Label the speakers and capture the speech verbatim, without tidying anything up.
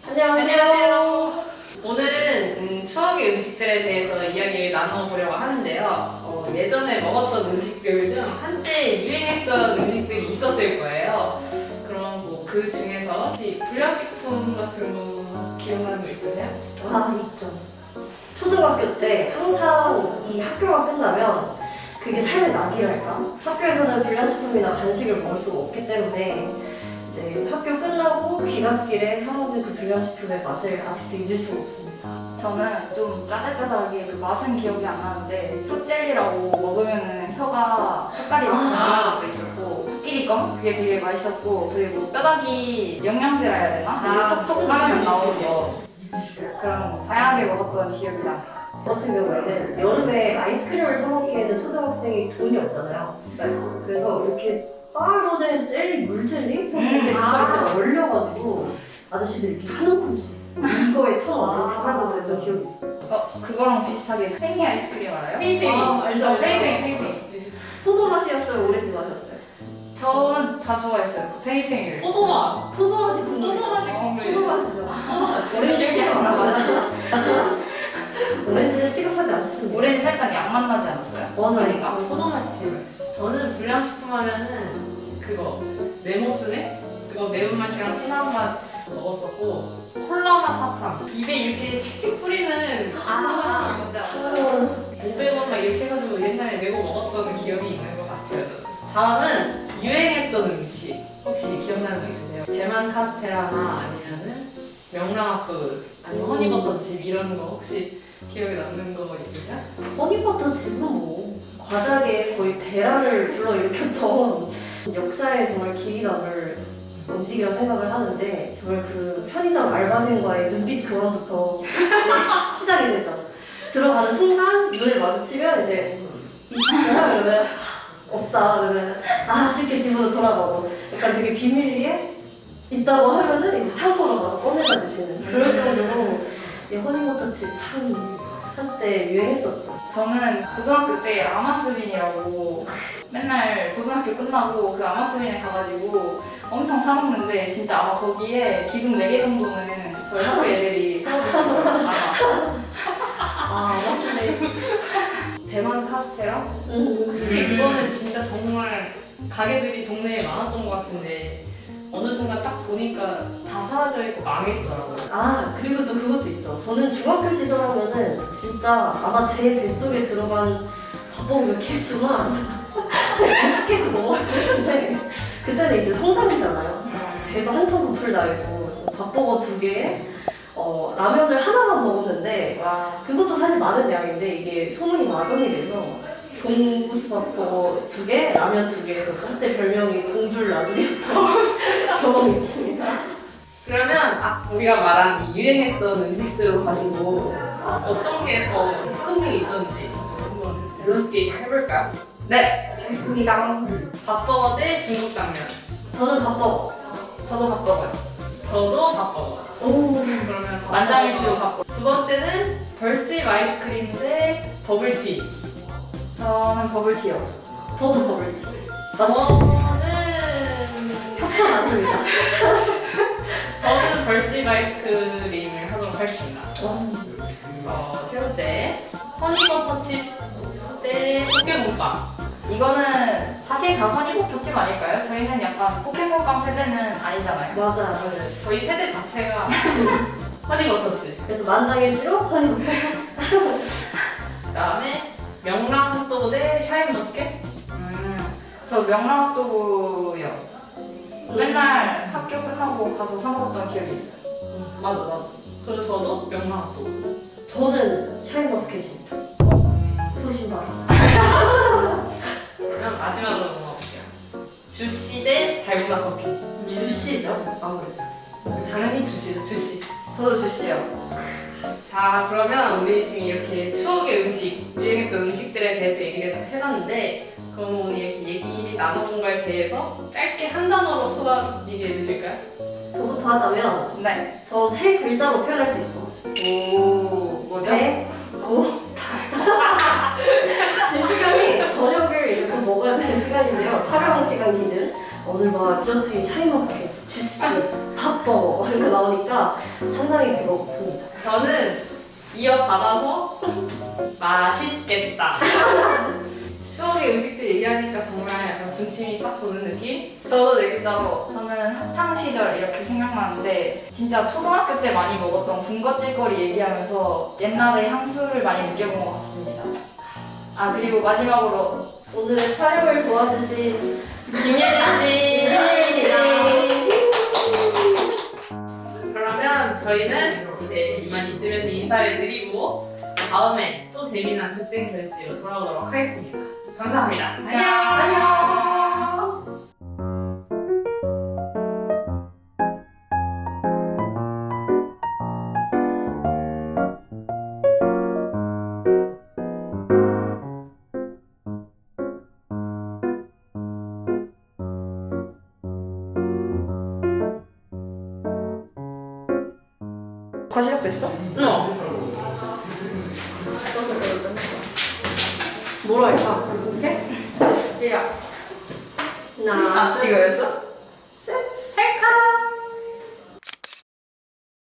Speaker 1: 안녕하세요.
Speaker 2: 오늘은 음, 추억의 음식들에 대해서 이야기를 나눠보려고 하는데요. 어, 예전에 먹었던 음식들 중 한때 유행했던 음식들이 있었을 거예요. 그럼 뭐 그 중에서 혹시 불량식품 같은 거 기억나는 거 있으세요?
Speaker 1: 아, 있죠. 초등학교 때 항상 이 학교가 끝나면 그게 삶의 낙이랄까? 학교에서는 불량식품이나 간식을 먹을 수가 없기 때문에 이제 학교 끝나고 귀갓길에 사 먹는 그 불량식품의 맛을 아직도 잊을 수가 없습니다.
Speaker 3: 저는 좀 짜잘짜잘하게 그 맛은 기억이 안 나는데 풋젤리라고 먹으면 혀가 색깔이 막 변하는 것도 있었고 코끼리껌 그게 되게 맛있었고 그리고 뼈다귀 영양제라 해야 되나?
Speaker 2: 아,
Speaker 3: 이렇게 톡톡 까면 나오는 거 그런 거 다양하게 먹었던 기억이 나요.
Speaker 1: 저 같은 경우에는 여름에 아이스크림을 사 먹기에는 초등학생이 돈이 없잖아요. 그래서 이렇게 따로 된 젤리, 물젤리? 근데
Speaker 2: 아.
Speaker 1: 그걸 이제 얼려가지고 아저씨들이 이렇게 한 움큼씩 이거에 천 원 이렇게 팔고 그랬던 기억이 있어요.
Speaker 3: 어 그거랑 비슷하게 팽이 아이스크림 알아요?
Speaker 2: 페이페이.
Speaker 1: 아, 알죠, 알죠.
Speaker 3: 페이페이 페이페이.
Speaker 1: 포도 맛이었어요? 오렌지 맛이었어요?
Speaker 3: 저는 다 좋아했어요. 페이페이를.
Speaker 2: 포도맛.
Speaker 1: 포도 맛이 국물.
Speaker 2: 포도 맛이 국물이에요.
Speaker 1: 포도 맛이죠.
Speaker 2: 포도맛.
Speaker 1: 오렌지 취급 안
Speaker 3: 나요.
Speaker 1: 하죠. 오렌지는 취급하지 않습니다.
Speaker 3: 오렌지 살짝 양맛 나지 않았어요?
Speaker 1: 맞아요.
Speaker 3: 아닌가?
Speaker 2: 포도맛이 제일 맛있어요. 저는 불량식품 하면은 그거 네모스네? 그거 매운맛이랑 진한 맛 먹었었고 콜라맛 사탕 입에 이렇게 칙칙 뿌리는
Speaker 3: 아, 뭔지 알아요.
Speaker 2: 오백 원 막 이렇게 해가지고 옛날에 내고 먹었던 기억이 있는 것 같아요. 다음은 유행했던 음식 혹시 기억나는 거 있으세요? 대만 카스테라나 아니면은 명랑핫도그 아니면 허니버터칩 이런 거 혹시 기억에 남는 거 있으세요?
Speaker 1: 허니버터칩은 뭐 과자계의 거의 대란을 불러일으켰던 역사에 정말 길이 남을 음식이라 생각을 하는데 정말 그 편의점 알바생과의 눈빛 교환부터 시작이 되죠. 들어가는 순간 눈을 마주치면 이제 있구나 그러면 없다 그러면 아 쉽게 집으로 돌아가고 약간 되게 비밀리에 있다고 하면은 이제 창고로 가서 꺼내다 주시는 그럴 정도로 이 허니버터칩 참 한때 유행했었죠.
Speaker 3: 저는 고등학교 때 아마스빈이라고 맨날 고등학교 끝나고 그 아마스빈에 가가지고 엄청 사 먹는데 진짜 아마 거기에 기둥 네 개 정도는 저희 학교 애들이 세워주시는 거예요. 아마.
Speaker 1: 아 맞네.
Speaker 2: 대만 카스테라?
Speaker 1: 음.
Speaker 2: 확실히 그거는 진짜 정말 가게들이 동네에 많았던 것 같은데 어느 순간 딱 보니까 다 사라져 있고 망했더라고요.
Speaker 1: 아 그리고 또 그것도 있죠. 저는 중학교 시절 하면은 진짜 아마 제 뱃속에 들어간 밥버거 개수만 오십 개가 넘었는데 그때는 이제 성장기잖아요. 배도 한참 부풀 나 있고 그래서 밥버거 두 개에 어, 라면을 하나만 먹었는데
Speaker 3: 와.
Speaker 1: 그것도 사실 많은 양인데 이게 소문이 마전이 돼서 봉구스 밥버거 두 개, 라면 두 개에서 그때 별명이 봉줄 라면이었던 경험이 있습니다.
Speaker 2: 그러면 아, 우리가 말한 이 유행했던 음식들을 가지고 어떤 게 더 흥미가 있었는지 한번 밸런스 게임을 해볼까요?
Speaker 3: 네, 좋습니다.
Speaker 2: 밥버거 대 중국 당면.
Speaker 1: 저는 밥버거.
Speaker 3: 저도 밥버거요.
Speaker 2: 저도 밥버거.
Speaker 1: 오.
Speaker 2: 그러면 밥버거.
Speaker 3: 만장일치로 밥버거.
Speaker 2: 두 번째는 벌집 아이스크림 대 버블티.
Speaker 3: 저는 버블티요.
Speaker 1: 저도 버블티.
Speaker 2: 저는
Speaker 1: 협찬 아닙니다.
Speaker 2: 저는 벌집 아이스크림을 하도록 하겠습니다.
Speaker 1: 와.
Speaker 2: 어, 세 번째 허니버터칩 대 포켓몬빵.
Speaker 3: 이거는 사실 다 허니버터칩 아닐까요? 저희는 약간 포켓몬빵 세대는 아니잖아요.
Speaker 1: 맞아요, 맞아요.
Speaker 2: 저희 세대 자체가 허니버터칩.
Speaker 1: 그래서 만장일치로 허니버터.
Speaker 2: 그다음에 명랑핫도그 대 샤인머스켓.
Speaker 3: 음, 저 명랑핫도그요. 맨날 학교 끝나고 가서 사 먹었던 기억이 있어요.
Speaker 2: 맞아, 맞아. 그리고 저도 명랑핫도그.
Speaker 1: 저는 샤인머스켓입니다. 소신발.
Speaker 2: 그러면 마지막으로 넘어갈게요. 주시 대 달고나 커피.
Speaker 1: 주시죠, 아무래도.
Speaker 2: 당연히 주시죠, 주시.
Speaker 3: 저도 주시요.
Speaker 2: 자, 그러면 우리 지금 이렇게 추억의 음식, 유행했던 음식들에 대해서 얘기를 해봤는데 그럼 오늘 이렇게 얘기 나눠본 거에 대해서 짧게 한 단어로 소감 얘기해 주실까요?
Speaker 1: 저부터 하자면
Speaker 3: 네.
Speaker 1: 저 세 글자로 표현할 수 있을 것 같습니다.
Speaker 3: 오, 뭐죠?
Speaker 1: 배, 고, 달. 지금 시간이 저녁을 이제 곧 먹어야 되는 시간인데요. 촬영 시간 기준. 오늘 막 디저트인 샤인머스켓, 주시, 밥 핫버거 이런 거 나오니까 상당히 배가 고픕니다.
Speaker 2: 저는 이어받아서 맛있겠다. 추억의 음식들 얘기하니까 정말 약간 군침이 싹 도는 느낌?
Speaker 3: 저도 네 글자로 저는 학창 시절 이렇게 생각나는데 진짜 초등학교 때 많이 먹었던 군것질거리 얘기하면서 옛날의 향수를 많이 느껴본 것 같습니다. 아 그리고 마지막으로
Speaker 1: 오늘의 촬영을 도와주신
Speaker 2: 김예진 씨.
Speaker 1: 이진입니다.
Speaker 2: 그러면 저희는 이제 이만 이쯤에서 인사를 드리고 다음에 또 재미난 그땐 그랬지로 돌아오도록 하겠습니다. 감사합니다. 안녕.
Speaker 3: 안녕.
Speaker 1: 과 시작됐어?
Speaker 2: 어.
Speaker 1: 뭐로 할까? 이렇게?
Speaker 3: 야.
Speaker 1: 하나,
Speaker 3: 아 이거였어?